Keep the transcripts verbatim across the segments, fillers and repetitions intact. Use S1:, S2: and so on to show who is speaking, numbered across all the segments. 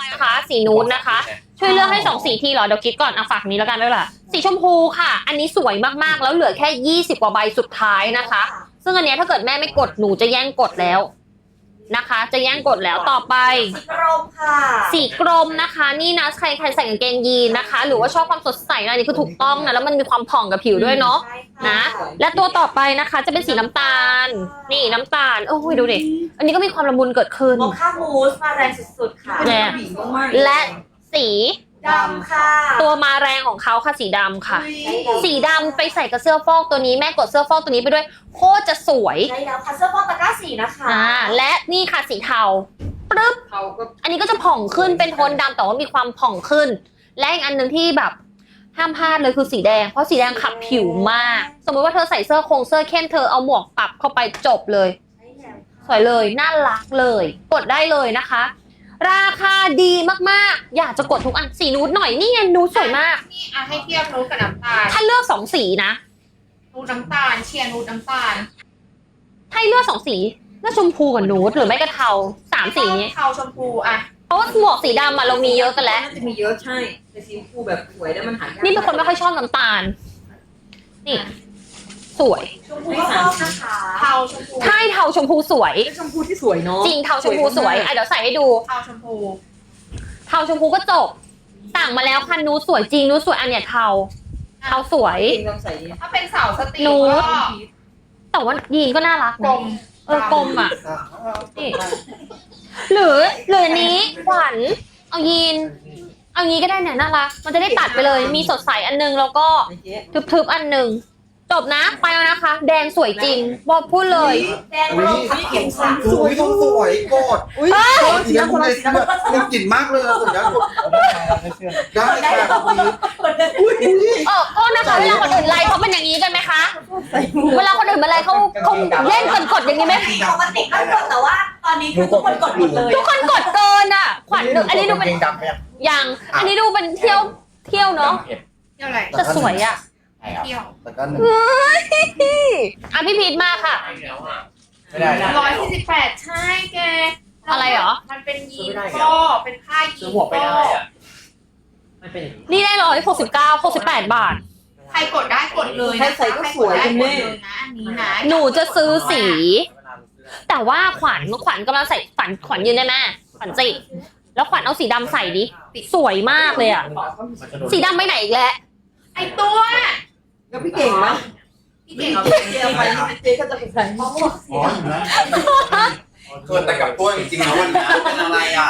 S1: นะคะ สีนูดนะคะ ช่วยเลือกให้สองสีทีเหรอเดี๋ยวคิดก่อนอ่ะฝากนี้แล้วกันด้วยล่ะสีชมพูค่ะ อันนี้สวยมากๆแล้วเหลือแค่ยี่สิบกว่าใบสุดท้ายนะคะ ซึ่งอันเนี้ยถ้าเกิดแม่ไม่กดหนูจะแย่งกดแล้วนะคะ จะแย่งกดแล้วต่อไป
S2: สีกรมค่ะ
S1: สีกรมนะคะ นี่นะใครใครใส่กางเกงยีนนะคะ หรือว่าชอบความสดใสนะนี่คือถูกต้องนะแล้วมันมีความผ่องกับผิวด้วยเนาะนะและตัวต่อไปนะคะจะเป็นสีน้ำตาล นี่น้ำตาลโอ้ยดูดิอันนี้ก็มีความละมุนเกิดขึ้น
S2: โมคามูสมาแรงสุดๆค่ะ
S1: แน่และสี
S2: ดำค่ะ
S1: ตัวมาแรงของเขาค่ะสีดำค่ะ สีดำไปใส่กับเสื้อฟอกตัวนี้แม่กดเสื้อฟอกตัวนี้ไปด้วยโคตรจะสวย
S2: ใช่แล้วค่ะเสื้อฟอกตะกร้าสีนะคะ
S1: อ่าและนี่ค่ะสีเทาปึ๊บ
S3: เขาก็
S1: อันนี้ก็จะผ่องขึ้นเป็นโทนดำแต่ว่ามีความผ่องขึ้น และอีกอันหนึ่งที่แบบห้ามพลาดเลยคือสีแดงเพราะสีแดงขับผิวมาก สมมติว่าเธอใส่เสื้อโครงเสื้อเข้มเธอเอาหมวกปรับเข้าไปจบเลย
S2: ใช่แล้ว
S1: สวยเลยน่ารักเลย กดได้เลยนะคะ ราคาดีมากๆ อยากจะกดทุกอันสีนูดหน่อยนี่ไงนูดสวยมาก
S3: นี่อ่ะให้เทียบนูดกับน้ำตาล
S1: ถ้าเลือกสองสีนะ
S3: นูดน้ำตาลเชียร์นูดน้ำตาล
S1: ถ้าให้เลือกสองสีเลือกชมพูกับนูดหรือไม่ก็เทาสามสีนี้
S3: เทาชมพูอ่ะ
S1: เพราะว่าหมวกสีดำอะเรามีเยอะกันแล้ว
S4: น่าจะมีเยอะใช่แต่สีชมพูแบบสวยแล้วมันหายาก
S1: นี่เป็นคนไม่ค่อยชอบน้ำตาล นี่ สวย
S2: ชมพูก็ฟอกนะคะ
S3: เทาชมพู
S1: ใช่เทาชมพูสวย
S4: เป็นชมพูที่สวยเนาะ
S1: จริงเทาชมพูสวยอ่ะเดี๋ยวใส่ให้ดู
S3: เทาชมพู
S1: เทาชมพูก็จบต่างมาแล้วค่ะนูดสวยจริงนูดสวยอันเนี้ยเทาเทาสวย
S4: จริงลองใส่ดิ
S3: ถ้าเป็นเสาสตรี
S1: นูด
S3: ก็
S1: แต่ว่ายีนก็น่ารัก
S3: กล
S1: นะ
S3: ม
S1: เออกลมอ่ะนี่หรือหรืออันนี้ขวัญเอายีน เอางี้ก็ได้เนี่ยน่ารักมันจะได้ตัดไปเลย มีสดใสอันนึงแล้วก็
S4: ไอ้เจ๊
S1: ทึบๆอันหนึ่งจบนะไปแล้วนะคะ แดงสวยจริงบอกพูดเลย
S2: แดงลงขับเข็มค่ะ
S5: สวยต้องสวยกด
S4: อุ้ย
S5: กดสีน้ำคนละสีแบบมันกลิ่นมากเลยอะสุดยอดกดได้ค่ะ
S1: เออโทษนะคะเวลาคนอื่นไลฟ์เขาเป็นอย่างนี้กันไหมคะ
S4: ใส่หมวก
S1: เวลาคนอื่นมาไลฟ์เขาเขาเล่นกดกดๆอย่างนี้ไหม
S2: ปกติก็กดแต่ว่าตอนนี้คือทุกคนกดหมดเลย
S1: ทุกคนกดเกินอ่ะ ขวัญหนึ่งอันนี้ดูเป็น
S5: ดำไปอ่ะ
S1: ยังอันนี้ดูเป็นเที่ยวเที่ยวเนาะ
S3: เที่ยวอะไร
S1: แต่สวยอ่ะ
S3: เที่ยว
S5: แล้วก็หนึ่ง
S1: อ่ะพี่พีทมาค่ะ
S5: ไม่ได้นะ
S3: ร้อยสี่สิบแปดใช่แก
S1: อะไรเหรอ
S3: มันเป็นยีนก็เป็นผ้ายีนก็
S4: มันเป็นอย่างนี้
S1: นี่ได้ร้อยหกสิบเก้าหกสิบแปดบาท
S3: ใครกดได้กดเลย
S4: ใครใส่ก็สวย
S3: ใคร
S4: คุณ
S3: ก
S4: แม่
S3: ดได้กดเลยนะอันนี้นะ
S1: หนูจะซื้อสี แต่ว่าขวัญขวัญกำลังใส่ขวัญขวัญยืนได้ไหมขวัญจิแล้วขวัญเอาสีดำใส่ดิสวยมากเลยอ่ะ สีดำไปไหนอีกแล้ว
S3: ไอตัว
S4: แล้วพี่เก่งไหม
S3: พี่เก่ง
S4: เจ๊เอาไปเจ๊ก็จะไปใส่หมวก
S5: อ๋อเห็นไหมเกิดแต่กับตัวจริงๆนะวันนี้เป็นอะไรอ่ะ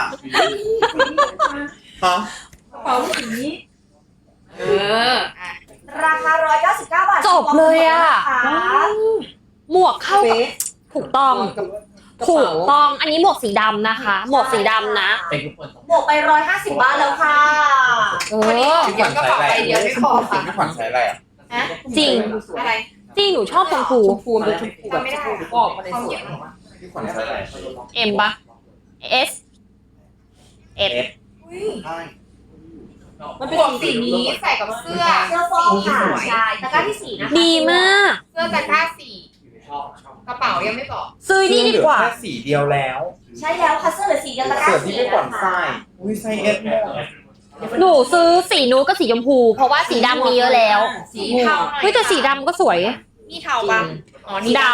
S5: ฮะ
S4: กระเป๋าสี
S3: เอออ่ะ
S2: ราคาหนึ่งร้อยเก้าสิบเก้าบาท
S1: จบเลยอะ
S2: นะคะ
S1: หมวกเข้ากับ
S4: เป๊ะ
S1: ถูกต้อง
S4: กับกระ
S1: ถูก
S4: เป๋า
S1: ต้องอันนี้หมวกสีดำนะคะ หมวกสีดำนะ
S2: บวกไปหนึ่งร้อยห้าสิบบาทแล้วค่ะ
S1: เอ
S3: วันนี้
S1: อ
S3: เดี๋ยวกระเป๋าใบเดียวไม่พอค่ะ
S5: พี่ขวัญใส่อะไรอ่ะ
S3: ฮะ
S1: จริง
S3: อะไร
S1: จริงหนูชอบชมพู
S4: ชมพูมันเป็นชมพูแบบชมพูบอกมาในสวย
S5: พี่ขวัญใส่อะไร
S1: เอ็มปะ S S
S5: ใช่
S4: มันเป็น
S3: หมวก
S4: สี
S3: สีนี้ใส่กับเสื้อ
S2: เสื้อฟอกค่ะใช่ตะกร้าที่สี่นะคะ
S1: ดีมาก
S3: เสื้อตะกร้าสีกระเป๋ายังไม่บอก
S1: ซื้อนี่ดีกว่า
S5: แค่สีเดียวแล้ว
S2: ใช่แล้วค่ะเสื้อเหลือสีเดียวตะกร้า
S5: เสื้อที่
S2: สี่
S5: พี่ขวัญ
S2: นะ
S5: ใส่
S2: คะ
S5: อุ้ยใส่เอสหมด
S1: หนูซื้อสีนูดกับสีชมพู เพราะว่าสีดำมีเยอะแล้ว
S3: สีเทาหน่อย
S1: เฮ้ยแต่สีดำก็สวย
S3: นี่เทาปะอ๋อนี่
S1: ด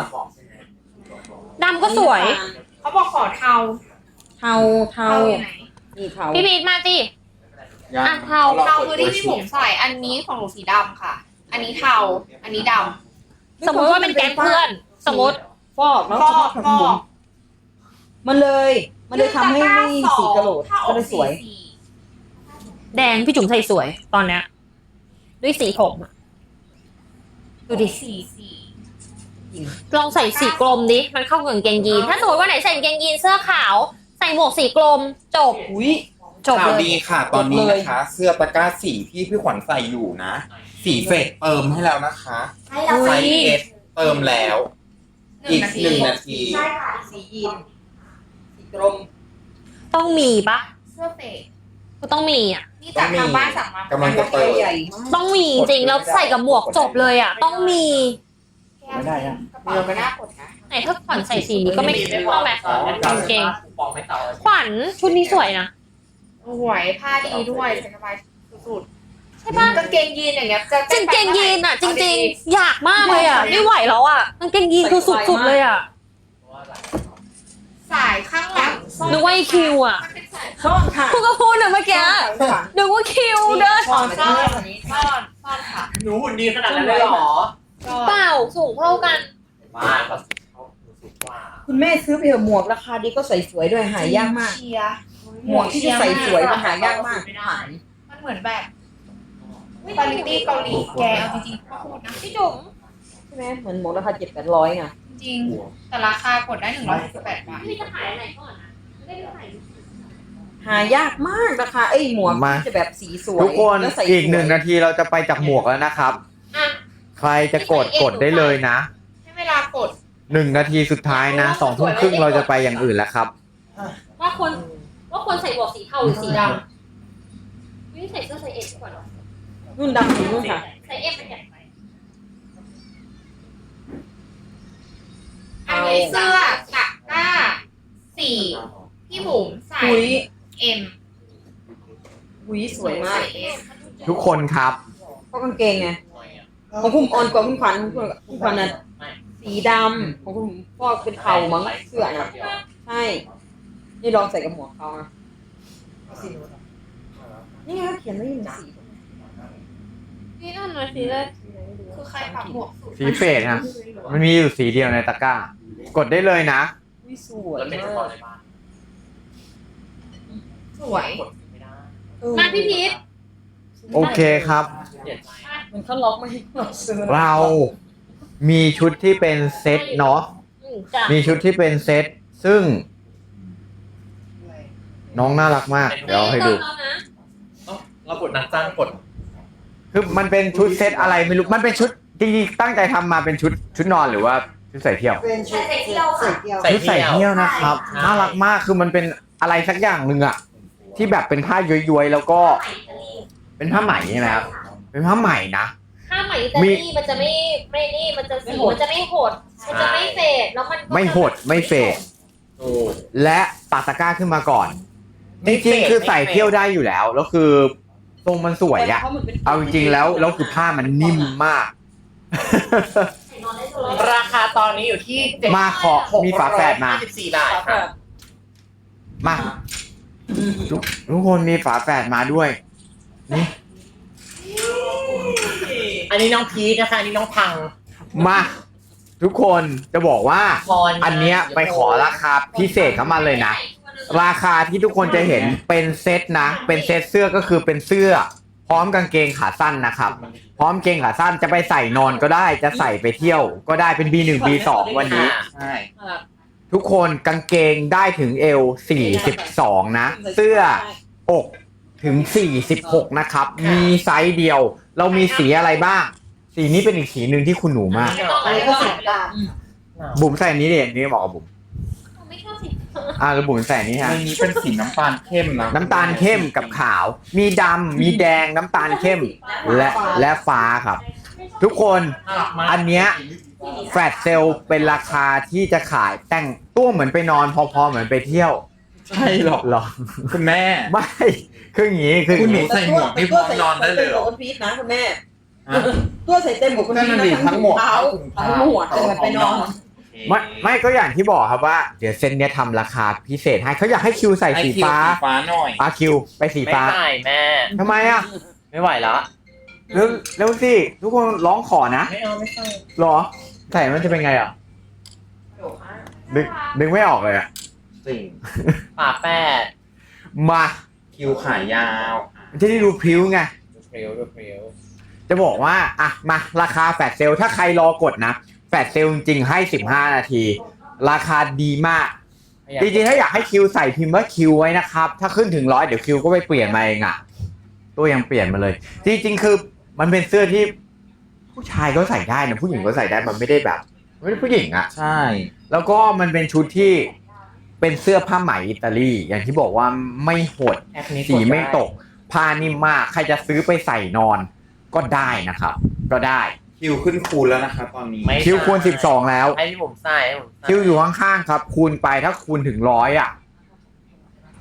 S1: ดำก็สวย
S3: เขาบอกขอเทา
S4: เทาเทา
S3: เทาอยู่ไหน
S4: นี่เทา
S1: พี่พีทมาสิ อ่ะเทา
S3: เทาคือที่พี่ผมใส่ อันนี้ของหนูสีดำค่ะ อันนี้เทา อันนี้ด
S1: สมมติว่าเป็นแก๊งเพื่อน สมมติ
S4: ฟอกแล้ว
S3: ำฟอก
S4: ทำ
S3: ฟอ
S4: บุ
S3: ก
S4: ญมันเลย มันเลยทำให้ไม่สีกระโหลก
S3: ถ้าอ
S4: ก็
S3: อก
S4: เลยส
S3: สี
S4: วย
S3: สี
S1: แดงพี่จุ๋มใส่สวย ตอนเนี้ยด้วยสีผมอะดูดิ
S3: สีสี
S1: ลองใส่สีกลมดิ มันเข้ากับกางเกงยีน ถ้าสมมติว่าไหนใส่กางเกงยีนเสื้อขาว ใส่หมวกสีกลม จบ
S4: อุ้ย
S1: จบ
S5: ข่าว
S1: เลย
S5: ดีค่ะ ตอนนี้นะคะ เสื้อตะกร้าสีที่พี่ขวัญใส่อยู่นะ สีเฟกเติมให้แล้วนะคะ
S2: ใช่แล้ว
S5: ไซ
S2: ค่ะ
S5: ส์เอสเติมแล้ว
S3: หนึ่
S5: อี
S3: ง
S5: ก
S3: นาที
S5: หนึ่งนาที
S2: ใช่ค่ะ
S4: สียีนสีกรม
S1: ต้องมีปะ
S3: เสื้อเฟก
S1: ก็ต้องมีอ่ะ
S3: นี่จากทางบ้านสั่งมาก
S5: ำลังจะเปิด
S4: ใหญ่มาก
S1: ต้องมีจริงๆแล้วใส่กับหมวกจบเลยอ่ะ ต้องมี
S5: ไม่ได้อะ
S3: กระเป๋าไม่น่ากดนะ
S1: ไหนถ้าขวัญใส่สีนี้ก็ไม่เข้าไหมกางเกงขวัญชุดนี้สวยนะ
S3: สวยผ้าดีด้วยใส่สบายสุด
S1: ใช่ปะ
S3: ๆกางเกงยีนอย่างเงี้ยจะ
S1: กางเกงยีนอ่ะ จริงๆ อยากมากเลยอ่ะ ไม่ไหวแล้วอ่ะกางเกงยีนคือสุดๆเลยอ่ะ
S3: สายข้างหลัง
S1: นึกว่าไอคิวอ่ะ
S4: ซ่อนค่ะ
S1: คุณก็พูดนะเมื่อกี้
S4: ซ่อนค่ะ
S1: นึกว่าคิวเดิน
S3: ซ่อนซ่อนซ่อนซ่อนค่ะ
S6: หนูหุ่นดีขนาดนั้นเลยเหรอ
S3: ซ่อน
S1: เปล่าสูงเท่ากัน
S6: มาแบบเขาสูงกว่า
S4: คุณแม่ซื้อไปเถอะหมวกราคาดีก็ใส่สวยด้วยหายากมาก
S3: เชียร์
S4: หมวกที่จะใส่สวยมันหายากมากหาย
S3: มันเหมือนแบบคุณภาพเกาหลีแกเอาจริงๆก็พูดนะ
S1: พี่จุ๋ม
S4: ใช่ไหมเหมือนหมวกราคาเจ็ดแปดร้อยไง
S3: จริงๆแต่ราคากดได้หนึ่งร้อยสิบแปดบาท
S1: พี่จะขายอะไรก่อนนะไม่ได้ขาย
S4: หายากมากราคาไอ้หมวก
S7: มา
S4: ที่จะแบบสีสวย
S7: ทุกคน
S4: แล้วใส่
S7: อีก
S4: สวย
S7: หนึ่งนาทีเราจะไปจากหมวกแล้วนะครับ
S1: อ่ะ
S7: ใครจะกดกดได้เลยนะ
S3: ให้เวลากด
S7: หนึ่งนาทีสุดท้ายนะสองทุ่มครึ่งเราจะไปอย่างอื่นแล้วครับ
S1: ว่าคนว่าคนใส่หมวกสีเทาหรือสีดำไม่ใส่เสื้อไซส์เอ็มดีกว่าเนอะ
S4: รุ่นดำถึงรุ่นค่ะ
S1: ไซส์เอ็มมันใหญ่ไป
S3: อันนี้เสื้อตะกร้าสี่พี่บุ๋มใส่
S4: หุย
S3: เอ็ม
S4: หุยสวยมาก
S3: ใส่เอส
S7: ทุกคนครับ
S4: เพราะกางเกงไงของคุณอ่อนกว่าคุณขวัญคุณขวัญคุณขวัญน่ะสีดำของคุณพ่อเป็นเทามั้งเสื้อน่ะใช่นี่ลองใส่กับหมวกเขาอ่ะนี่ไงเขียนไว้อยู่สี
S1: นี่นั่นเลยสีเลย
S3: คือใครปรับหมวกสุด
S7: สีเฟดครับ มันมีอยู่สีเดียวในตะกร้า กดได้เลยนะ
S4: หุยสวย
S6: แล้วเป็น
S4: มา
S6: เฉพาะ
S4: ก
S6: ในบ้าน
S3: สวย
S6: กดไม่ได้
S4: เออ
S1: มาพี่พีท
S7: โอเคครับ
S6: เปลี่ยนใจ
S4: มันเขาล็อกไม่ให้เราซื้อ
S7: เรามีชุดที่เป็นเซตเนาะ
S1: อืมจ้ะ
S7: มีชุดที่เป็นเซตซึ่งน้องน่ารักมาก เดี๋ยวเอาให้ดู
S1: แล้วนะ
S6: เอ้าเรากดนัดจ้างกด
S7: คือมันเป็นชุดเซตอะไรไม่รู้ มันเป็นชุดจริงๆตั้งใจทำมาเป็นชุดชุดนอนหรือว่าชุดใส่เที่ยว
S4: เป็นชุด
S2: ใส่เที่ยวค่ะ
S4: ใส่เที่ยว
S7: ชุดใส่เที่ยวนะครับ
S6: ใช่
S7: น่ารักมากคือมันเป็นอะไรสักอย่างหนึ่งอะที่แบบเป็นผ้าย้อยๆแล้วก็เป็นผ้าไหมนะครับ เป็นผ้าไหมนะ
S1: ถ้าไหมอิตาลีมันจะไม่ไม่นี่มันจะสีมันจะไม่หด มันจะไม่เฟดแล้วมันก็
S7: ไม่หดไม่เฟด
S6: ถูก
S7: และปักตะกร้าขึ้นมาก่อน
S6: ไม่
S7: จ
S6: เฟ
S7: ริง
S6: ด
S7: ๆคือใส่
S6: ไม่เฟด
S7: เที่ยวได้อยู่แล้วแล้วคือทรงมันสวยอะเอาจริงๆแล้วแล้วคือผ้ามันนิ่มมาก
S1: ใส่นอนได้ตลอด
S6: ราคาตอนนี้อยู่ที่เจ็ด
S7: มาขอมีฝาแฝดมา
S6: สิบสี่บาทค่ะ
S7: มาทุกทุกคนมีฝาแฝดมาด้วยนี่
S6: อันนี้น้องพีชนะคะอันนี้น้องพัง
S7: มาทุกคนจะบอกว่า
S6: พร
S7: อันเนี้ยไปขอราคาพิเศษเข้ามาเลยนะ ราคาที่ทุกคนจะเห็นเป็นเซตนะ เป็นเซตเสื้อก็คือเป็นเสื้อ พร้อมกางเกงขาสั้นนะครับ พร้อมเกงขาสั้นจะไปใส่นอนก็ได้ จะใส่ไปเที่ยว ก็ได้เป็น บี หนึ่ง บี สอง วันนี้
S6: ใช่
S7: ทุกคนกางเกงได้ถึงเอวสี่สิบสองนะ เสื้ออกถึงสี่สิบหกนะครับ มีไซส์เดียว เรามีสีอะไรบ้าง สีนี้เป็นอีกสีหนึ่งที่คุณหนูมาก
S2: อะไรก็สีด
S7: บุ๋มใส่อันนี้ดิอันนี้เหมาะกับบุ๋ม
S1: ไม่ชอบสี
S7: อ่าแล้วบุ๋มใส่อันนี้ฮะ
S5: ในนี้เป็นสีน้ำตาลเข้มนะ
S7: น้ำตาลเข้มกับขาว มีดำมีแดงน้ำตาลเข้ม และและฟ้าครับ ทุกคน
S6: น่ารักมาก
S7: อันเนี้ยแฟลชเซลเป็นราคาที่จะขายแต่งตัวเหมือนไปนอนพอๆเหมือนไปเที่ยว
S5: ใช่หรอ
S7: หรอ
S5: คุณแม่
S7: ไม่คืออย่างนี้คืออ
S5: คุณ
S7: ย่าง
S5: หนู
S7: นี้
S5: ใส่หมวกนี่พร้อมนอนได้เลยเหรอ
S4: คนพีชนะคุณแม่
S5: ฮะ
S4: ตัวใส่เต็มหมวกคนพีช
S5: นั่น
S4: นะ
S5: น่ะดิทั้งหมวก
S4: เท้า
S5: ทั้
S4: ทั้
S5: ง
S4: ง
S5: ห
S4: ห
S5: ม
S4: ม
S5: ว
S4: ว
S5: ก
S4: กเต็มไปนอน
S7: ไม่ไม่ก็อย่างที่บอกครับว่าเดี๋ยวเซนเนี้ยทำราคาพิเศษให้เขาอยากให้คิวใส่
S5: ไอ
S7: สี
S5: คิว
S7: ฟ้า
S5: สีฟ้าหน่อย
S7: อาคิวไปสี
S6: ไม่
S7: ฟ้า
S6: ใส่แม่
S7: ทำไมอ่ะ
S6: ไม่ไหวแล้ว
S7: เร็วเร็วสิทุกคนร้องขอนะ
S6: ไม่เอาไม่ใส่
S7: หรอใส่มันจะเป็นไงอ่ะดึงดึงไม่ออกเลยอ่ะ
S6: สิ่งป่าแปด
S7: มา
S5: คิวขายาว
S7: มันจะได้ดูพริ้วไง
S6: ดูเพรียวดูเพรียว
S7: จะบอกว่าอ่ะมาราคาแฟลชเซลถ้าใครรอกดนะแฟลชเซลจริงๆให้สิบห้านาที ราคาดีมาก จริงๆถ้าอยากให้คิวใส่พิมพ์ว่าคิวไว้นะครับ ถ้าขึ้นถึงร้อยเดี๋ยวคิวก็ไปเปลี่ยนมาเองอ่ะตัวยังเปลี่ยนมาเลย จริงๆคือมันเป็นเสื้อที่ผู้ชายก็ใส่ได้นะผู้หญิงก็ใส่ได้มันไม่ได้แบบไม่ได้ผู้หญิงอ่ะ
S5: ใช่
S7: แล้วก็มันเป็นชุดที่เป็นเสื้อผ้าไหมอิตาลีอย่างที่บอกว่าไม่หด
S6: แอปนี้
S7: สีไม่ตกผ้านิ่มมากใครจะซื้อไปใส่นอนก็ได้นะครับ ก็ได้
S5: คิวขึ้นคูณแล้วนะคะตอนนี้
S6: ไม่
S7: คิวคูณสิบสองแล้ว
S6: ให้ที่ผมใส่ให้ผมใส่
S7: คิวอยู่ข้างๆครับ คูณไปถ้าคูณถึงร้อยอ่ะ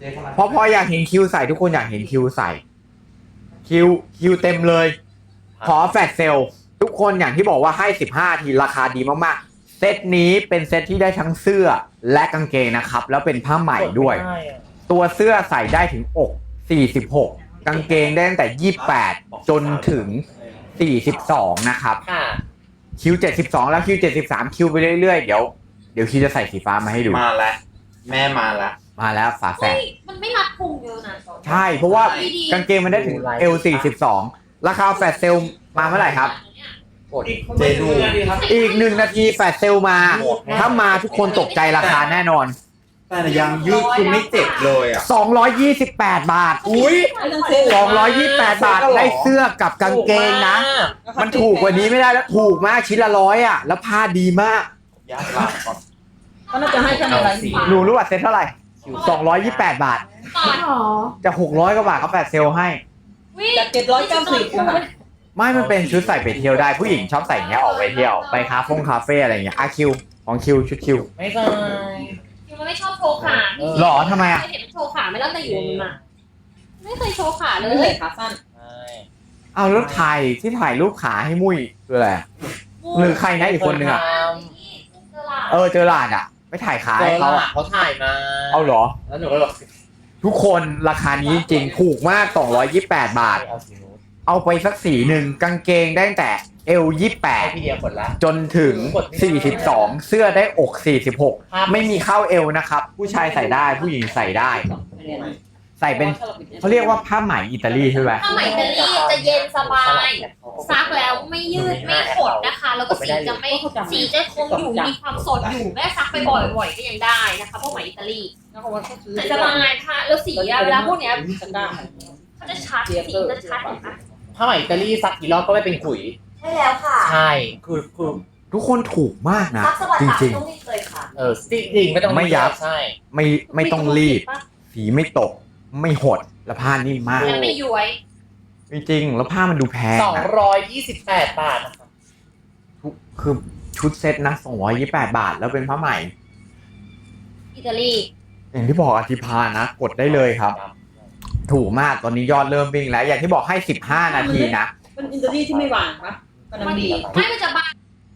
S7: เพราะพออยากเห็นคิวใส่ทุกคนอยากเห็นคิวใส่คิวคิวเต็มเลย ขอแฟลชเซลทุกคนอย่างที่บอกว่าให้สิบห้าทีราคาดีมากๆเซตนี้เป็นเซตที่ได้ทั้งเสื้อและกางเกงนะครับแล้วเป็นผ้าใหม่ด้วย ตัวเสื้อใส่ได้ถึงอกสี่สิบหกกางเกงได้ตั้งแต่ยี่สิบแปดจนถึงสี่สิบสองนะครับ
S6: ค่ะ
S7: คิวเจ็ดสิบสองแล้วคิวเจ็ดสิบสามคิวไปเรื่อยๆเดี๋ยวเดี๋ยวคิวจะใส่สีฟ้ามาให้ดู
S5: มาแล้วแม่มาแล้ว
S7: มาแล้วฝาแฝ
S1: เฮ้
S7: ด
S1: ยมันไม่รัดพุงเยอะนะ
S7: ใช่เพราะว่ากางเกงมันได้ถึง เอล สี่สิบสองราคาแฟลชเซลมาเมื่อไหร่ครับ
S6: กด
S5: เจดู
S7: อีกหนึ่งนาทีแฟลชเซลมา ถ้ามาทุกคนตกใจราคาแน่นอน
S5: แต่ยังยืดคือไม่เจ็บเลยอ่ะ
S7: สองร้อยยี่สิบแปดบาท
S5: อุ้ย
S7: สองร้อยยี่สิบแปดบาทได้เสื้อกับกางเกงนะ มันถูกกว่านี้ไม่ได้แล้วถูกมากชิ้นละร้อยอ่ะแล้วผ้าดีมาก
S5: ยากหลับก่อน
S4: ก็น่าจะให้แค่อะไร
S7: หนูรู้ว่าเซ็ตเท่าไหร่สองร้อยยี่สิบแปดบาท
S1: ก่อน
S7: จะหกร้อยกว่าบาทเขาแฟลชเซลให้
S1: วิ
S4: จากเจ็ดร้อยเก้าสิบนะคะ
S7: ไม่มันเป็นชุดใส่ไปเที่ยวได้ผู้หญิงชอบใส่อย่างเงี้ยออกไปเที่ยวไปคาเฟ่คาเฟ่อะไรอย่างเงี้ยอาคิวของคิวชุดคิว
S6: ไม่ใช่
S1: คิวมันไม่ชอบโชว์ขา
S7: หรอทำไมอ่ะ
S1: เคยเห็นโชว์ขาไม่ตั้งแต่อยู่มันมาไม่เคยโชว์ขาเล
S4: ไม่ใส่
S1: ย
S4: ขาสั้น
S6: ใช่
S7: เอาแล้วถ่ายที่ถ่ายรูปขาให้มุ้ยคืออะไรอะหรือใครนะอีกคนนึงอ่ะเออเจอหลาดอ่ะไปถ่ายขา
S6: เจ
S7: ให้
S6: อ
S7: เขา
S6: ละ
S7: อะ
S6: เขาถ่ายมา
S7: เอาเหรอ
S6: แล้วหนูก็บอก
S7: ทุกคนราคานี้จริงๆถูกมากสองร้อยยี่สิบแปดบาท
S6: เอาสีนู้น
S7: เอาไปสักสีหนึ่งกางเกงได้ตั้งแต่เอลยี่สิบแปด
S6: ให้พี่เดียกดละ
S7: จนถึงสี่สิบสองเสื้อได้อกสี่สิบหกไม่มีเข้าเอวนะครับ ผู้ชายใส่ได้ผู้หญิงใส่ได้ ใส่เป็นเขาเรียกว่าผ้าไหมอิตาลีใช่ไหม
S1: ผ้าไหมอิตาลีจะเย็นสบาย ซักแล้วไม่ยืดไม่ขดนะคะ แล้วก็สีจะไม่สีจะคงอยู่มีความสดอยู่แม่ซักไปบ่อยๆก็ยังได้นะคะพวกไหมอิตาลี
S4: แล้วก็ว่าเขาซื้อ
S1: ใส่สบายค่ะแล้วสีอะเวลาพวกเนี้ย
S4: ตะกร้า
S1: เขาจะชัดสีจะชัดเห็นปะ
S6: ผ้าไหมอิตาลีซักกี่รอบก็ไม่เป็นขุย
S2: ใช่แล้วค่ะ
S6: ใช่คือคือ
S7: ทุกคนถูกมากนะ
S2: ซักสบัด
S7: จ
S2: ตัด
S7: ริง
S2: ต้องรีบเลยค่ะ
S6: เออจริงๆไม่ต้อง
S7: ไม่ยับ
S6: ใช่
S7: ๆ ไม่ไม่ต้องรีบ สีไม่ตก ไม่หดและผ้านิ่มมาก
S1: แล้วไม่ย้วย
S7: จริงๆแล้วผ้ามันดูแพง
S6: สอง
S7: นะ
S6: ร้อยยี่สิบแปดบาทนะคะ
S7: ทุกคือชุดเซ็ตนะสองร้อยยี่สิบแปดบาท แล้วเป็นผ้าไหม
S1: อิตาลี
S7: อย่างที่บอกอธิพานะ กดได้เลยครับ ถูกมากตอนนี้ยอดเริ่มวิ่งแล้ว อย่างที่บอกให้สิบห้านาทีนะ
S4: เป็นอินเตอร์นีที่ไม่หวานปะกำลังดี
S1: ไม่มันจะบาง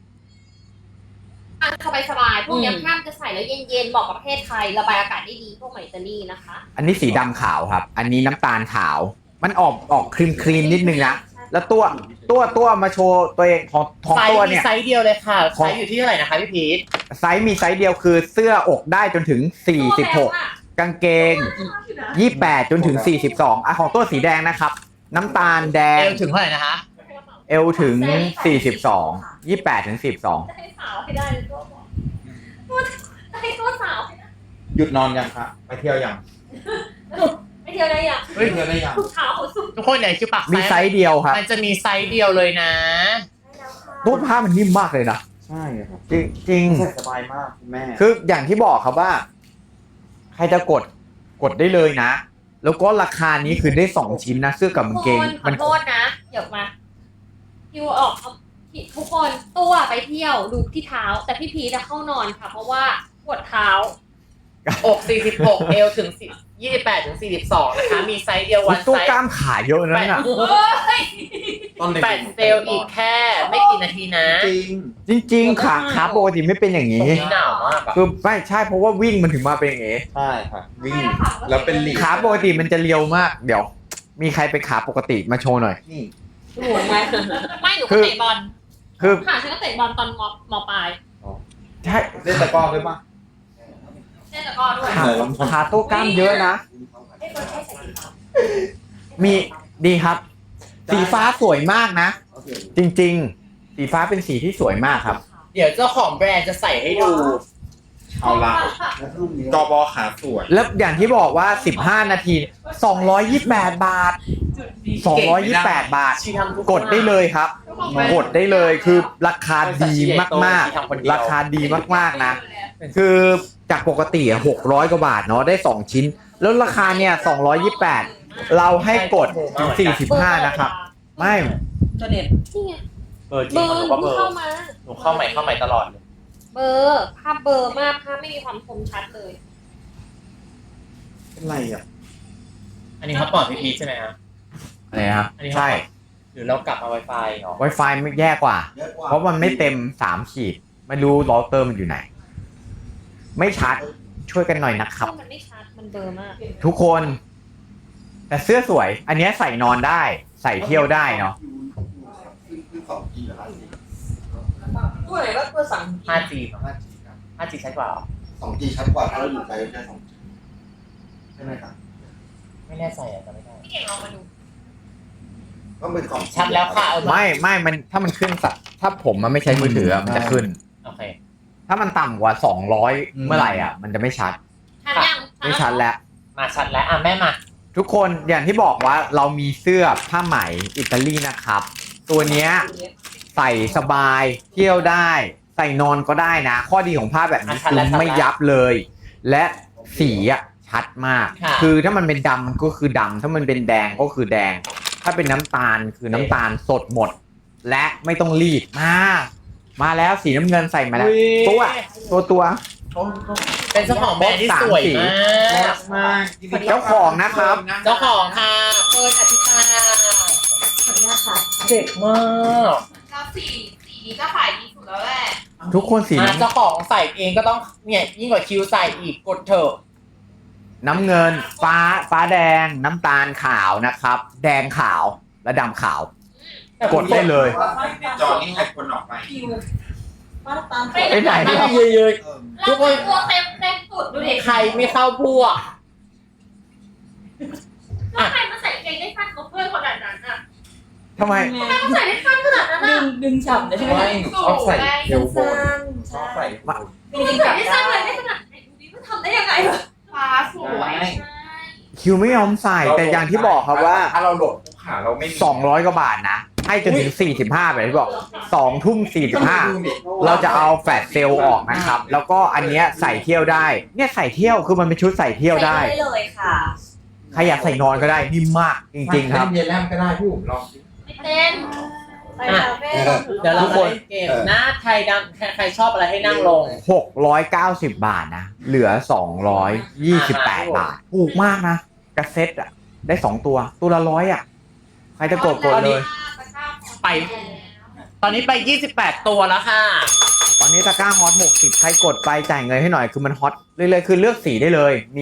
S1: บางสบายสบายๆพวกเนี้ยผ้ามันจะใส่แล้วเย็นๆเหมาะกับประเทศไทยระบายอากาศได้ดีพวกไหมอิตาลีนะคะ
S7: อันนี้สีดำขาวครับ อันนี้น้ำตาลขาว มันออกออกครีมครีมนิดนึงนะ แล้วตัวตัวตัวมาโชว์ตัวเองของของ
S6: ไซ
S7: ตัว
S6: ส์มี
S7: เนี่ย
S6: ไซส์เดียวเลยค่ะ
S7: ของ
S6: ไซส์อยู่ที่เท่าไหร่นะคะพี่พีท
S7: ไซส์มีไซส์เดียวคือเสื้ออกได้จนถึงสี่สิบหกกางเกงยี่สิบแปดจนถึงสี่สิบสองอ่ะของตัวสีแดงนะครับ น้ำตาลแด
S6: เอง วถึงเท่าไหร่นะคะ
S7: เอวถึงสี่สิบสองยี่สิบแปดถึงสี่สิบสอง
S1: ให้สาวให้ได้เลยตัวตัวให้ตัวสาวให้ได้
S5: หยุดนอนยังคะไปเที่ยวยัง
S1: ไปเที่ยวได้ยัง
S5: ไปเที่ยวได้ยัง
S1: ทุกเช้าเขาสุด
S6: ทุกคนเนี่ยคือปัก
S7: มีไซส์เดียวครับ
S6: มันจะมีไซส์เดียวเลยนะ
S7: รูปผ้ามันนิ่มมากเลยนะ
S5: ใช่ครับ
S7: จริงจริง
S5: ใส่สบายมากคุณแม่
S7: คืออย่างที่บอกครับว่า ใครจะกดกดได้เลยนะ แล้วก็ราคานี้คือได้สองชิ้นนะเสื้อกับกางเกง
S1: ข
S7: มั
S1: อน โทษนะเดี๋ยวมาคิวออกเอาทุกคนตัวไปเที่ยวดูที่เท้า แต่พี่พีจะเข้านอนค่ะ เพราะว่าปวดเท้า
S6: อกสี่สิบหกเอวถึงยี่สิบแปดถึงสี่สิบสองนะคะ มีไซส์เดียววัน
S7: ตัว
S6: ไซส์
S7: กล้ามขาเยอะนั่นน่ะ
S5: ตอนเด็ก
S6: แปดเซลล์อีกแค่ไม่กี่นาทีนะ
S5: จริง
S7: จริง ๆ ขาขาปกติไม่เป็นอย่าง
S6: ตร
S7: นี้
S6: งนี้หนาวมากอะ
S7: คือไม่ใช่เพราราะว่าวิ่งมันถึงมาเป็นอย่างนี้
S5: ใช่ค่ะวิ่งแล้วเป็นหลีก
S7: ขาปกติมันจะเรียวมาก เดี๋ยว มีใครเป็นขาปกติมาโชว์หน่อย
S5: นี่
S4: ห่วงไหม
S1: ไม่หนู
S7: คื
S1: ก็
S7: อ
S1: เตะบอล
S7: คือ
S1: ค่ะฉันก็เตะบอลตอนมมปลาย
S7: ใช่
S5: เล่นตะกร้อด้วยปะ
S1: เล่นตะกร้อด้วย
S7: ขาขาตัวกล้ามเยอะนะ มีดีครับ สีฟ้าสวยมากนะ จริง ๆ สีฟ้าเป็นสีที่สวยมากครับ
S6: เดี๋ยวเจ้าของแบรนด์จะใส่ให้ดู
S5: เอาละกบขาสวย
S7: แล้วอย่างที่บอกว่าสิบห้านาทีสองร้อยยี่สิบแปดบาทสองร้อยยี่สิบแปดบาท
S6: ชีทำทุ
S7: กดได้เลยครับ กดได้เลยคือราคาดีมากๆ ราคาดีมากๆนะ คือจากปกติหกร้อยกว่าบาทเนาะได้สองชิ้น แล้วราคาเนี่ยสองร้อยยี่สิบแปดเราให้กดถึงสี่สิบห้านะครับ ไม่
S4: ตัวเด็ด
S1: นี่ไง
S6: เบอร์จริ
S1: เบ
S6: ง
S1: อ
S6: ห
S1: ร์
S6: นูก็เบอ
S1: เข้า
S6: ร์
S1: มา
S6: หนูเข้าใหม่เข้าใหม่ตลอดเลย
S1: เบอร์ภาพเบอร์มากภาพไม่มีความคมชัดเลย
S5: เป็นไรอ่ะ
S6: อันนี้เขาปลอดพีพีใช่ไหมครับ
S7: อะไรนะครับ
S6: อันนี้
S7: ใช่
S6: หรือเรากลับมา Wi-Fi เหรอ
S7: Wi-Fi ไม่แย่กว่า เพราะมันไม่เต็มสามขีด ไม่รู้เราเตอร์มันอยู่ไหน ไม่ชัดช่วยกันหน่อยนะครับ
S1: มันไม่ชัดมันเบลอมาก
S7: ทุกคน แต่เสื้อสวย อันเนี้ยใส่นอนได้ ใส่เที่ยวได้เนาะ
S4: ตัวไหนว่าตัวสั่ง
S6: ห้าจี ห้าจีชัดกว่าเหรอ
S8: สองจีชัดกว่าถ้าเราอยู่ไกลแค่สองจีใช่ไหมครับ
S6: ไม่แน่ใจอ่ะจำไม่ได้
S1: พี่เก่งลองมาดู
S8: ก็เป็นสอง
S6: ชัดแล้วค่ะเอามา
S7: ไม่ไม่มันถ้ามันขึ้นสักถ้าผมมันไม่ใช้มือถืออะมันจะขึ้น
S6: โอเค
S7: ถ้ามันต่ำกว่าสองร้อยเมื่อไหร่อ่ะ มันจะไม่ชัด
S1: ชัดยัง
S7: ไม่ชัดแล้ว
S6: มาชัดแล้วอ่ะแม่มา
S7: ทุกคนอย่างที่บอกว่าเรามีเสื้อผ้าไหมอิตาลีนะครับ ตัวเนี้ยใส่สบายเที่ยวได้ ใส่นอนก็ได้นะ ข้อดีของผ้าแบบนี้คือไม่ยับเลย และสีอ่ะชัดมาก คือถ้ามันเป็นดำมันก็คือดำถ้ามันเป็นแดงก็คือแดง ถ้าเป็นน้ำตาลคือน้ำตาลสดหมด และไม่ต้องรีดมามาแล้วสีน้ำเงินใส่มาแล้ว ตัวตัวตัว
S6: เป็นเจ้าของแบรนด์ที่สวยมาก
S5: มาก
S7: เจ้าของนะครับ
S6: เจ้าของค่ะเฟิร์นอธิตา
S2: ขออนุญาตค่ะ
S6: เด็กมาก
S3: แล้วสีสีนี้ก็ขายดีสุดแล้วแหละ
S7: ทุกคนสี
S6: อ่ะ
S7: น้ำ
S6: เจ้าของใส่เองก็ต้องเนี่ยยิ่งกว่าคิวใส่อีกกดเถอะ
S7: น้ำเงินฟ้าฟ้าแดงน้ำตาลขาวนะครับ แดงขาวและดำขาว กดได้เลย
S5: จอนี่ใครคนออกไป
S4: คิวมาตาม
S7: ไปไหน
S6: เยอะ
S1: ทุกคนตัวเต็มเต็มสุดดูดิ
S6: ๆใครไม่เข้าพวก
S1: แล้วใครมาใส่เกงได้สั้นกว่าเพื่อนขนาดนั้นอ่ะ
S7: ทำไม
S1: ใส่ได้สั้นขนาดนั้น
S4: ดึ
S1: อ่ะ
S4: งดึงฉ่ำเลยใช่ไหม
S5: ไม่ชอบใส่เอวบน
S2: สั้น
S5: ชอบใส่
S2: จริงๆ
S1: ใส่
S2: กับ
S1: ได้สั้นเลยได้ขนาดไหนดูดิมันทำได้ยังไงวะ
S3: ฟ้าสวย
S7: คิวไม่ยอมใส่แต่อย่างที่บอกครับว่า
S5: ถ้าเราหลบขาเราไม่มี
S7: สองร้อยกว่าบาทนะ ให้จนถึงสี่สิบห้าแบบที่บอกสองทุ่มสี่สิบห้าเราจะเอาแฟลชเซลล์ออกนะครับ แล้วก็อันเนี้ยใส่เที่ยวได้ เนี่ยใส่เที่ยวคือมันเป็นชุดใส่เที่ยวได้
S2: ใส่ได้เลยค่ะ
S7: ใครอยากใส่นอนก็ได้นิ่มมากจริงๆครับ
S5: เย็นแลมก็ได้พี่อุ๋มลองสิ
S1: ไม่เต้น
S2: ไปคาเฟ่
S6: เดี๋ยวเรา
S7: ทุกคน
S6: เล่นเกมหน้าใครดำใครใครชอบอะไรให้นั่งลง
S7: หกร้อยเก้าสิบบาทนะ เหลือสองร้อยยี่สิบแปดบาท ถูกมากนะกระเซ็ตอ่ะ ได้สองตัว ตัวละร้อยอ่ะ ใครจะกดกดเลย
S6: ไป ตอนนี้ไปยี่สิบแปดตัวแล้วค่ะ
S7: ตอนนี้ตะกร้าฮอตหกสิบใครกดไปจ่ายเงินให้หน่อยคือมันฮอตเรื่อยๆคือเลือกสีได้เลย มี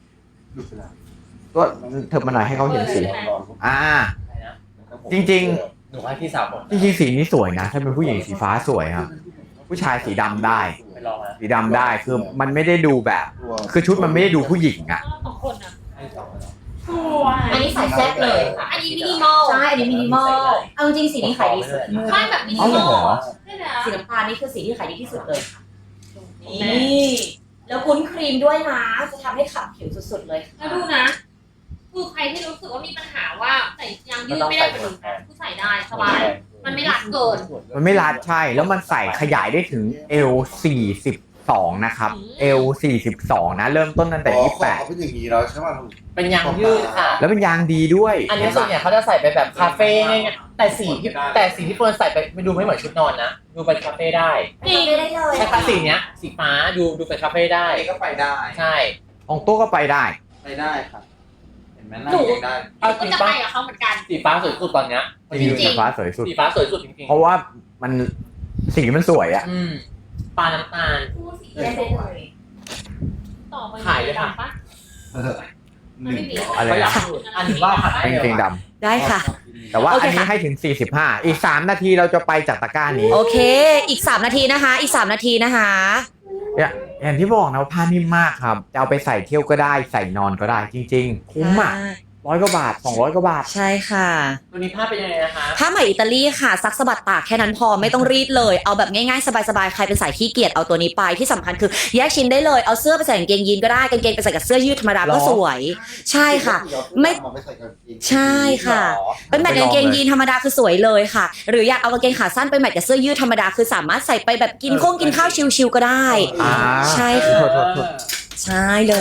S7: ตัวเถิบมาหน่อยให้เขาเห็นสี อ่า จริง
S6: หนูให้พี่สาวผม
S7: ๆ จริงๆ สีนี้สวยนะ ถ้าเป็นผู้หญิงสีฟ้าสวยครับ ผู้ชายสีดำได้
S6: ไปลองนะ
S7: สีดำได้คือมันไม่ได้ดูแบบ คือชุดมันไม่ได้ดูผู้หญิงอ่ะ
S1: สองคนอ่ะ
S3: สวย
S2: อันนี้ใส่แซ่บเลยค่ะ
S1: อันนี้มินิมอล
S2: ใช่ อันนี้มินิมอล เอาจริงๆสีนี้ขายดีสุด
S1: ไม่แบบมินิ
S7: เอา
S1: ม
S7: เหร
S1: อล
S7: อ
S1: ใช่ไหม
S2: สีน้ำตาลนี่คือสีที่ขายดีที่สุดเลยค่ะ นี่ แล้วคุ้นครีมด้วยนะ จะทำให้ขับผิวสุดๆเลย
S1: แล้วดูนะ คือใครที่รู้สึกว่ามีปัญหาว่าใส่ยางยืดไม่ได้เหมือนผู้ใส่ได้สบาย มันไม่รัดเกิน
S7: มันไม่รัดใช่ แล้วมันใส่ขยายได้ถึง เอล สี่สิบสอง นะครับ เอล สี่สิบสอง นะ เริ่มต้นตั้งแต่ ยี่สิบแปด
S8: เขาเป็นอย่างนี้แล้วใช่ไหม
S6: เป็นยางยืดค่ะ
S7: แล้วเป็นยางดีด้วย
S6: อันนี้ส่วนใหญ่เขาจะใส่ไปแบบคาเฟ่เนี่ยแต่สีที่แต่สีที่เฟิร์นใส่ไปไม่ดูไม่เหมือนชุดนอนนะ ดูไปคาเฟ่ได้
S2: จริงได้เลย
S6: ใช่ค่ะสีเนี้ย สีฟ้าดูดูไปคาเฟ่ได้
S5: นี่ก็ไปได้
S6: ใช่
S7: ของโต๊ะก็ไปได้
S8: ไปได้ครับ เห็นไหมนั่ง
S1: หนู
S8: ยังได้
S6: เอา
S1: ก็
S6: สี
S1: จะ
S6: ฟ้า
S1: ไปกับเขาเหมือนกัน
S6: สีฟ้าสวยสุดตอนเนี้ย
S7: สีฟ้าสวยสุด
S6: สีฟ้าสวยสุดจริง
S7: เพราะว่ามันสีมันสวยอะ
S6: ๆอืมปลาน้ำตาล
S1: คู่สี
S2: ได้เลย
S1: ต่อไป
S6: ขายเลยค่ะ
S1: ปะ
S8: หนึ่ง
S7: อะไร
S6: เขาอยา
S7: นะ
S6: กพูดอันนี้ว่าผัด
S7: เป็นเกงด
S2: ได้ค่ะ
S7: ำแต่ว่า
S2: โอเค
S7: อันนี้
S2: ค่ะ
S7: ให้ถึง สี่สิบห้า อีก สาม นาทีเราจะไปจากตะกร้านี้
S2: โอเค อีกสามนาทีนะคะ อีกสามนาทีนะคะ
S7: เนี่ยอย่างที่บอกนะว่าผ้านิ่มมากครับ จะเอาไปใส่เที่ยวก็ได้ ใส่นอนก็ได้ จริง ๆ คุ้มอ่ะร้อยกว่าบาทสองร้อยกว่าบาท
S2: ใช่ค่ะ
S6: ตัวนี้ภาพเป็นยังไงนะคะ
S2: ผ้าไหมอิตาลีค่ะซักสะบัดตากแค่นั้นพอไม่ต้องรีดเลย เอาแบบง่ายๆ สบายๆ ใครเป็นสายขี้เกียจเอาตัวนี้ไปที่สำคัญคือแยกชิ้นได้เลย เอาเสื้อไปใส่กางเกงยีนก็ได้กางเกงไปใส่กับเสื้อยืดธรรมดาก็สวย ใช่ค่ะ ไม่ ใช่ค่ะ เป็นแบบกางเกงยีนธรรมดาคือสวยเลยค่ะ หรืออยากเอากางเกงขาสั้นไปแมทกับเสื้อยืดธรรมดาคือสามารถใส่ไปแบบกินข้งกินข้าวชิลๆก็ได้
S7: อ่า
S2: ใช่ค่ะ
S7: โทษโทษโทษ
S2: ใช่เลย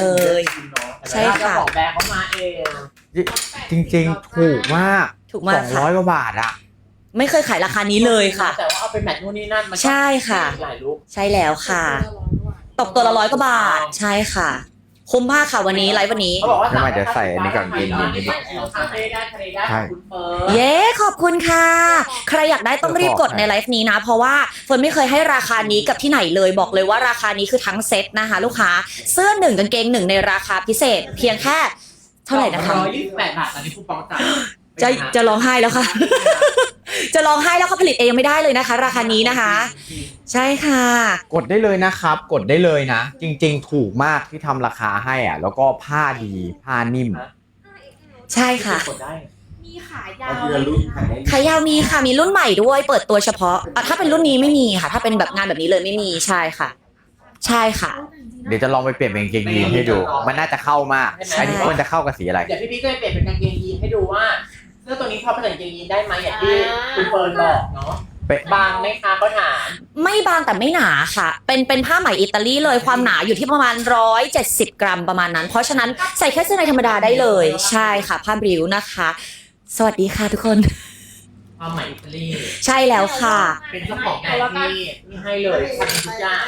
S2: ใช่ค่ะ
S6: เจ้าของแบรนด์เขามาเอง
S7: จริง ๆ ถูกมาก
S2: ถูก
S7: ส
S2: มาก
S7: อง
S2: ค่ะ
S7: ร้อยกว่าบาทอ่ะ
S2: ไม่เคยขายราคานี้เลยค่ะ
S6: แต่ว่าเอาไปแมทนู่นนี่นั่นมันก็
S2: ใช่ค่ะ
S6: หลายลุค
S2: ใช่แล้วค่ะ ตกตัวละร้อยกว่าบาท ใช่ค่ะคุ้มมากค่ะวันนี้ไลฟ์วันนี้
S6: เขาบอกว่า
S7: ไม่ไม่เดี๋ยวใส่อันนี้ก่อนกินกินให้ดิ
S6: คาเฟ่ได้ทะเลได้คุณเฟิร์น
S2: เย้ขอบคุณค่ะ ใครอยากได้ต้องรีบกดในไลฟ์นี้นะ เพราะว่าเฟิร์นไม่เคยให้ราคานี้กับที่ไหนเลยบอกเลยว่าราคานี้คือทั้งเซ็ตนะคะลูกค้าเสื้อหนึ่งกางเกงหนึ่งในราคาพิเศษ เพียงแค่เท่าไหร่นะคะ
S6: ร้อยยี่สิบแปดบาทตอนนี้คูปองจ่าย
S2: จะจะร้องไห้แล้วค่ะ จะร้องไห้แล้วเขาผลิตเองยังไม่ได้เลยนะคะ ราคานี้นะคะ ใช่ค่ะ
S7: กดได้เลยนะครับ กดได้เลยนะ จริง ๆ ถูกมากที่ทำราคาให้อ่ะ แล้วก็ผ้าดีผ้านิ่ม
S2: ใช่ค่ะ
S6: กดได้
S3: มีขายา
S8: เอา
S3: ว
S8: ทีละรุ่นขายได้
S2: ขายาวมีค่ะมีรุ่นใหม่ด้วยเปิดตัวเฉพาะอ่ะถ้าเป็นรุ่นนี้ไม่มีค่ะ ถ้าเป็นแบบงานแบบนี้เลยไม่มีใช่ค่ะ ใช่ค่ะ
S7: เดี๋ยวจะลองไปเปลี่ยนเป็นกางเกงยีนให้ดู มันน่าจะเข้ามาก
S2: ใช่
S7: อันนี้ควรจะเข้ากับสีอะไร
S6: เดี๋ยวพี่พีก็จะเปลี่ยนเป็นกางเกงยีนให้ดูว่าเสื้อตัวนี้พอผสมกางเกงยีนได้ไหมอย่างที่คุณเฟิร์นบอกเนาะ
S7: เป็น
S6: บางไหมคะเขาถาม
S2: ไม่บางแต่ไม่หนาค่ะ เป็นเป็นผ้าไหมอิตาลีเลยความหนาอยู่ที่ประมาณหนึ่งร้อยเจ็ดสิบกรัมประมาณนั้น เพราะฉะนั้นใส่แค่เสื้อในธรรมดาได้เลย ใช่ค่ะผ้าบริวนะคะ สวัสดีค่ะทุกคน
S6: ความหมายอิตาลี
S2: ใช่แล้วค่ะ
S6: เป็นเจ้าของแบรนด์ที่ที่ให้เลยทำทุกอย่าง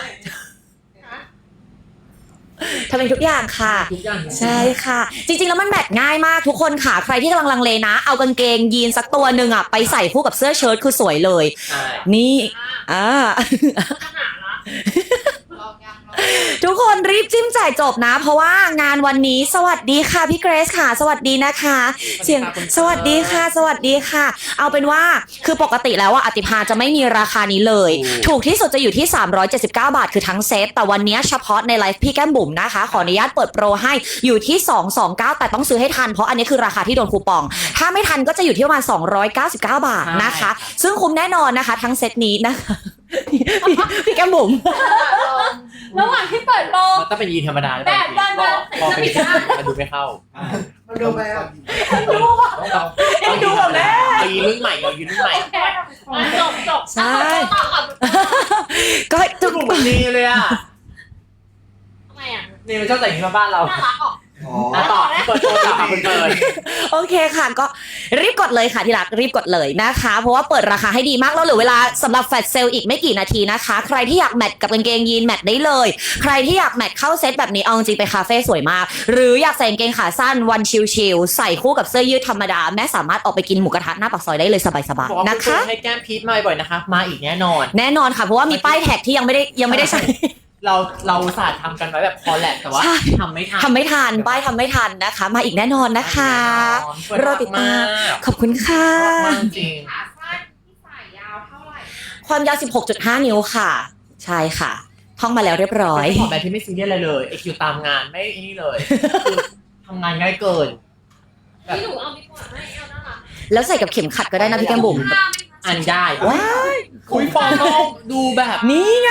S2: ทำเป็นทุกอย่างค่ะ
S6: ทุกอย่างจริงๆ
S2: ใช่ค่ะ จริงๆแล้วมันแมทง่ายมากทุกคนค่ะใครที่กำลังลังเลนะ เอากางเกงยีนสักตัวหนึ่งอ่ะไปใส่คู่กับเสื้อเชิ้ตคือสวยเลย
S6: ใช่
S2: นี่อ่า
S3: ลองยังลอง
S2: ทุกคนรีบจิ้มจ่ายจบนะ เพราะว่างานวันนี้สวัสดีค่ะพี่เกรซค่ะ สวัสดีนะคะ เสียงสวัสดีค่ะ สวัสดีค่ะ เอาเป็นว่าคือปกติแล้วอ่ะอติภาจะไม่มีราคานี้เลย ถูกที่สุดจะอยู่ที่สามร้อยเจ็ดสิบเก้าบาทคือทั้งเซตแต่วันนี้เฉพาะในไลฟ์พี่แก้มบุ๋มนะคะขออนุญาตเปิดโปรให้อยู่ที่สองร้อยยี่สิบเก้าแต่ต้องซื้อให้ทันเพราะอันนี้คือราคาที่โดนคูปอง ถ้าไม่ทันก็จะอยู่ที่ประมาณสองร้อยเก้าสิบเก้าบาทนะคะ ซึ่งคุ้มแน่นอนนะคะ ทั้งเซตนี้นะคะพี่พี่แก้มบุ๋ม
S1: ระหว่างที่เปิดโปร
S6: มันต้องเป็นยีนธรรมดา
S1: แบบเดินเดิน
S6: พอเป็นยีนมันดูไม่เข้า
S8: มันดูไปอ่ะ
S6: ต้องดูแบบแม่ยีนรุ่นใหม่เรายีนรุ่นใหม่
S1: จบจบ
S2: ใช่
S1: ต่อต่อ
S2: ก็
S6: ทุ
S2: ทุ
S6: ก
S2: ก
S6: กลุ่มมันดีเลยอ่ะ
S1: ทำไมอ่ะ
S6: นี่มันชอบแต่งที่มาบ้านเรา
S1: น่ารักออก
S8: อ๋อ
S6: อ่ะต่อเปิดตัวค่ะคุณเปิด
S2: โอเคค่ะก็รีบกดเลยค่ะที่รักรีบกดเลยนะคะ เพราะว่าเปิดราคาให้ดีมากแล้วเหลือเวลาสำหรับแฟลชเซลอีกไม่กี่นาทีนะคะ ใครที่อยากแมทกับกางเกงยีนแมทได้เลย ใครที่อยากแมทเข้าเซตแบบนี้เอาจริงไปคาเฟ่สวยมาก หรืออยากใส่กางเกงขาสั้นวันชิลๆใส่คู่กับเสื้อยืดธรรมดาแม่สามารถออกไปกินหมูกระทะหน้าปากซอยได้เลยสบาย
S6: บอก
S2: ๆ
S6: ว่า
S2: นะ
S6: คุณ
S2: คะ
S6: ให้แก้มพีทมาบ่อยๆนะคะ มาอีกแน่นอน
S2: แน่นอนค่ะเพราะว่ามีป้ายแท็กที่ยังไม่ได้ยังไม่ได้ใช้
S6: เราเราศาสตร์ทำกันไว้แบบคอลแลบแต่ว่า
S2: ใช่
S6: ทำไม่ทัน
S2: ทำไม่ทันป้ายทำไม่ทันนะคะ มาอีกแน่นอนนะคะ รอติดตาม ขอบคุณค่ะ
S6: มากจริง
S3: ขาสั้นที่ใส่ยาวเท่าไหร่
S2: ความยาว สิบหกจุดห้า นิ้วค่ะ ใช่ค่ะ ท่องมาแล้วเรียบร้อย
S6: เป็นของแบรนด์ที่ไม่ซีเรียสอะไรเลยไอคิวตามงานไม่ไอ้นี่เลยคือทำงานง่ายเกิน
S1: พี่หนูเอาดีกว่าไม่เอาน่ารัก
S2: แล้วใส่กับเข็มขัดก็ได้นะพี่แก้มบุ๋ม
S1: ผ้าไม่
S6: อ่านได้
S2: ว้าย
S6: คุยฟองน้องดูแบบ
S2: นี่ไง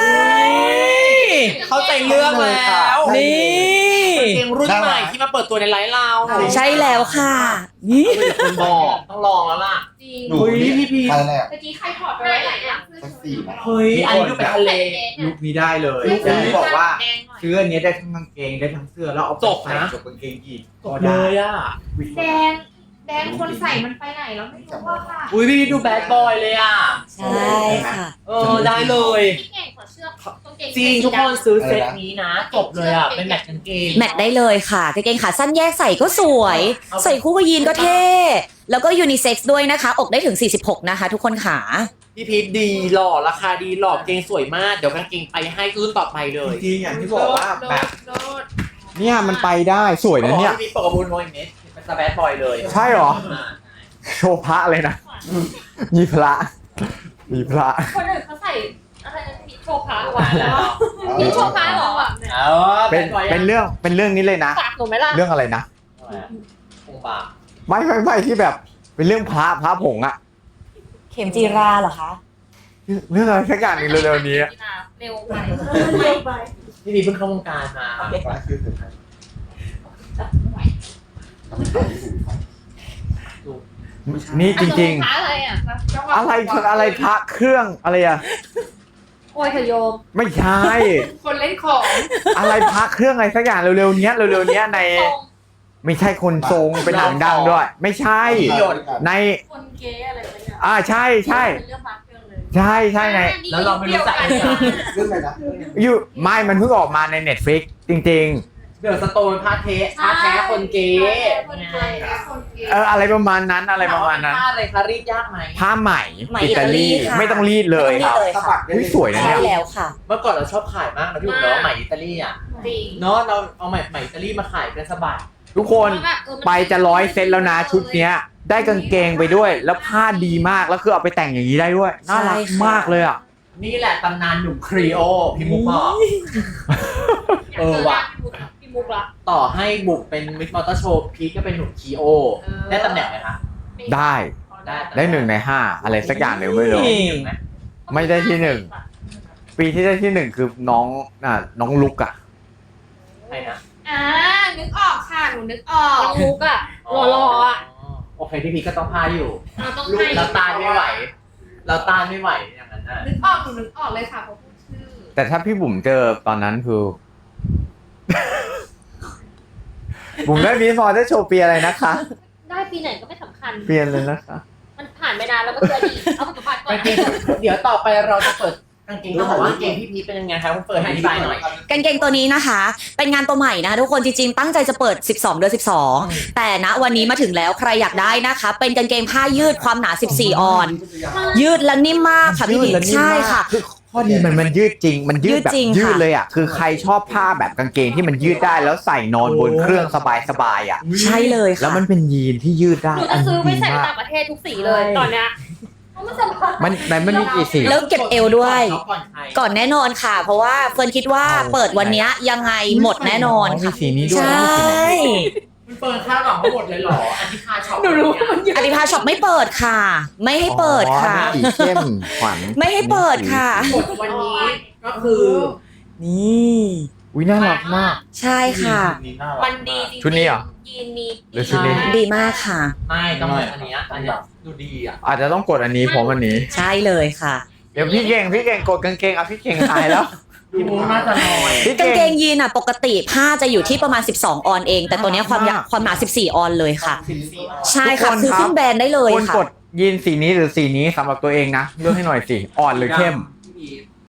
S6: เข้าใจเรื่องแล้ว
S2: นี่
S6: เพลงรุ่นใหม่ที่มาเปิดตัวในไลฟ์เรา
S2: ใช่แล้วค่ะ นี่
S6: คุณบอกต้องลองแล้วล่ะ
S1: จริง
S8: หนู
S6: เฮ้ย
S8: นี่
S6: พี่พี
S8: อะไรแหละ
S3: เมื่อกี้ใครถอดไปไว้ไหนอ่ะ
S8: สักสี่นะ
S6: เฮ้ยอันนี้ดูเป็นทะเล
S7: ลุคนี้ได้เลย
S6: ลุคนี้
S7: ที่บอกว่า
S3: แดงหน่อย
S7: ซื้ออันนี้ได้ทั้งกางเกงได้ทั้งเสื้อแล้วเอาไป
S6: จบ
S7: ใส่
S6: นะ
S7: กับกางเกงยีน
S6: จ
S7: ก็
S6: บเล
S7: ได้
S6: ยอ่ะ
S3: แดงแดงคนใส่มันไปไหนแล้วไม่รู้ว่าค่ะ
S6: อุ้ยพี่ดูแบดบอยเลยอ่ะ
S2: ใช่ค่ะ
S6: เออได้เลย
S1: พี่เก่งขอเชือกกางเกง
S6: จริงทุกคนซื้อเซตนี้นะจบเลยอ่ะเป็นแมทกางเกง
S2: แมทได้เลยค่ะกางเกงขาสั้นแยกใส่ก็สวย
S6: เอา
S2: ใส่คู่กับยีนก็เท่ แล้วก็ยูนิเซ็กซ์ด้วยนะคะ อกได้ถึง สี่สิบหก นะคะ ทุกคนขา
S6: พี่พีทดีหล่อราคาดีหล่อเกงสวยมากเดี๋ยวกางเกงไปให้รุ่นต่อไปเลย
S7: จริงๆอย่างที่บอกว่าแบบ
S3: โดด
S7: เนี่ยมันไปได้สวยนะเนี่ย
S6: พี่พีทปกบูลโมยเมสเป็นสแบดบอยเลย
S7: ใช่เหรอ
S6: อ่า
S7: โชว์พระเลยนะ มีพระ มีพระ
S1: คนอื่นเขาใส่อะไรนะพี่โชว์พระหวาน
S6: แล้
S1: แล้ว
S6: ว
S1: พี่โชว์พระเหรอ
S6: เอา
S7: เป็นเป็นเรื่องเป็นเรื่องนี้เลยนะ
S1: ฝากหนูไหมล่ะ
S7: เรื่องอะไรนะ
S6: คงปาก
S7: ไม่ไม่ไม่ที่แบบเป็นเรื่องพระพระผงอะ
S2: เข็มจีราเหรอคะ
S7: เรื่องอะไรสักอย่างหนึงเร็วๆนี้อะ
S1: เร็วไป
S6: พี่พีทเพิ่งเข้าวงการมา
S8: ฟ้าคือสุดท้าย
S7: นี่จริง
S1: พระอะไรอ่ะ
S7: ๆ อะไรคืออะไรพระเครื่องอะไรอะ
S1: โอ้ยเธอโยม
S7: ไม่ใช่
S3: คนเล่นของ
S7: อะไรพระเครื่องอะไรสักอย่างเร็วๆเนี้ยเร็วๆเนี้ยใน ไม่ใช่คนทรงเป็นหนังดังด้วย ไม่ใช่ ใน
S1: คนเก๊อะไรไปเนี่ย
S7: อ่าใช่ใช่
S1: เป็นเรื่องพระเครื่องเลย
S7: ใช่ใช่ใน
S6: แล้วเราไม่รู้จักกัน
S8: เรื่องอะไรนะ
S7: อยู่ไม่มันเพิ่งออกมาใน Netflix จริง
S6: เดือดสโตนผ้าเทผ้าแท้คนเก๋
S3: คนเก๋
S6: ไง
S3: คนเก๋
S7: เอออะไรประมาณนั้นอะไรประมาณนั้น
S6: ผ้าอะไรคะรีดยากไหม
S7: ผ้าไหม
S2: ไหม
S7: อิตาลี
S2: อิตาลีค่ะ
S7: ไม่ต้องรีดเลย
S2: ไม่
S7: ค
S2: ต้
S7: รั
S2: อบ งรีดเลย
S8: สะบัดได้
S7: อุ๊ยสวยนะ
S2: ใช่แล้วค่ะ
S6: เมื่อก่อนเราชอบขายมากนะพี่บุ๋มเนาะไหมอิตาลีอ่ะ
S3: จริง
S6: เนาะเราเอาไหมไหมอิตาลีมาขายเป็นสบาย
S7: ทุกคนไปจะร้อยเซตแล้วนะชุดเนี้ย ได้กางเกงไปด้วย แล้วผ้าดีมากแล้วคือเอาไปแต่งอย่างนี้ได้ด้วยน่ารัก
S2: ใช่ค่ะ
S7: มากเลยอ่ะ
S6: นี่แหละตำนานหนุ่มครีโอพี่มุกบอกเออว่ะ
S3: พี่มุกละ
S6: ต่อให้บุกเป็นมิสมอเตอร์โชว์พีทก็เป็นหนุ่มครีโอ ได้ตำแหน่งไหมคะ
S7: ได้
S6: ได้
S7: ได้หนึ่งในห้าอะไรสักอย่างหนึ่งไม่รู้
S6: ได้หนึ่งไหม
S7: ไม่ได้ที่หนึ่ง ปีที่ได้ที่หนึ่งคือน้องอ่ะน้องลุกอ่ะ
S6: ใช่นะ
S3: อ่านึกออกค่ะหนูนึกออก
S1: น้องมุกอะหล่อๆอะ
S6: โอเคพี่พีทก็ต้องพาอยู่
S1: เราต้อง
S6: ลูก
S1: ให้
S6: เราตานไม่ไหว เราตานไม่ไหวอย่างนั้นน่ะ
S3: นึกออกหนูนึกออกเลยค่ะเพราะพูดชื่อ
S7: แต่ถ้าพี่บุ๋มเจอตอนนั้นคือ บุ๋มได้มีพอได้โชว์เปียอะไรนะคะ
S1: ได้ปีไหนก็ไม่สำคัญ
S7: เปลี่ยนเลยนะคะ
S1: มันผ่านไปนานแล้วก็คืออดีตเอาปัจจุบันก่อน
S6: กางเกงเดี๋ยวต่อไปเราจะเปิดกางเกงต้องบอกว่ากางเกงพี่พีทเป็นยังไงครับคุณเปิดให้อธิบายหน่อย
S2: กางเกงตัวนี้นะคะ เป็นงานตัวใหม่นะคะทุกคนจริงๆ ตั้งใจจะเปิด สิบสอง เดือน สิบสอง แต่ณวันนี้มาถึงแล้วใครอยากได้นะคะ เป็นกางเกงผ้ายืดความหนา สิบสี่ ออน ยืดและนิ่มมากค่ะพี่
S7: ยืดและนิ่ม
S2: ใช่
S7: มาก
S2: ค่ะ
S7: คือข้อดีมันมันยืดจริง มันยืดแบบ
S2: ยืดจริง
S7: ยืด
S2: ค่ะ
S7: เลยอ่ะคือใครชอบผ้าแบบกางเกงที่มันยืดได้แล้วใส่นอนบนเครื่องสบายๆอ่ะ
S2: ใช่เลยค่ะ
S7: แล้วมันเป็นยีนที่ยืดได้
S1: หนู
S7: อั
S1: จะ
S7: น
S1: ซื้อ
S7: นี้
S1: ไป
S7: ดี
S1: ใส่
S7: มาก
S1: ต่างประเทศทุกสีเลยตอนเนี้ยเพราะมันสบาย
S7: มันมันมันมีกี่สี
S2: แล้วเก็บเอวด้วย
S6: ก่อนใคร
S2: ก่อนแน่นอนค่ะ เพราะว่าเฟิร์นคิดว่าเปิดวันเนี้ยยังไงหมดแน่นอน
S7: มี
S2: ค่ะ
S7: สีนี้ด้วย
S2: ใช่
S6: คุณเปิดข้าวหลังเขาหมดเลยเหรออันที่คาช็อป
S3: หนูรู้ว่ามันเยอะ
S2: อธิภาช็อปไม่เปิดค่ะ ไม่ให้เปิดค่ะ
S7: อ๋อสีเข้มขวัญ
S2: ไม่ให้เปิดค่ะ
S6: หมดวันนี้ก็คือ
S2: นี่
S7: อุ้ยน่ารักมาก
S2: ใช่ค่ะ
S1: มันดีจริงๆ
S7: ชุดนี้เหรอ
S1: ยีนนี้
S7: หรือชุดนี้
S2: ดีมากค่ะ
S6: ไม่ต้องเป็นอันเนี้ยอันเนี้ยดูดีอ่ะ
S7: อาจจะต้องกดอันนี้ผมอันนี้
S2: ใช่เลยค่ะ
S7: เดี๋ยวพี่เก่งพี่เก่งกดกางเกงอ่ะพี่เก่งตายแล้ว
S6: พี่มุกน่าจะน้อย
S7: พี่
S2: กางเก
S7: เก่
S2: ง
S7: ง
S2: ยีนอ่ะปกติผ้าจะอยู่ที่ประมาณสิบสอง ออนเอง แต่ตัวเนี้ยความยาว
S7: มาก
S2: ความหนาสิบสี่ ออนเลยค่ะ
S6: สิบสี่
S2: ใช่ค่ะ
S7: ทุกคน
S2: คือ
S7: ครับ
S2: ขึ้นแบรนด์ได้เลย
S7: คน
S2: ค่ะ
S7: กดยีนสีนี้หรือสีนี้สำหรับตัวเองนะเลือกให้หน่อยสิอ่อนหรือเข้ม
S8: พี่พีท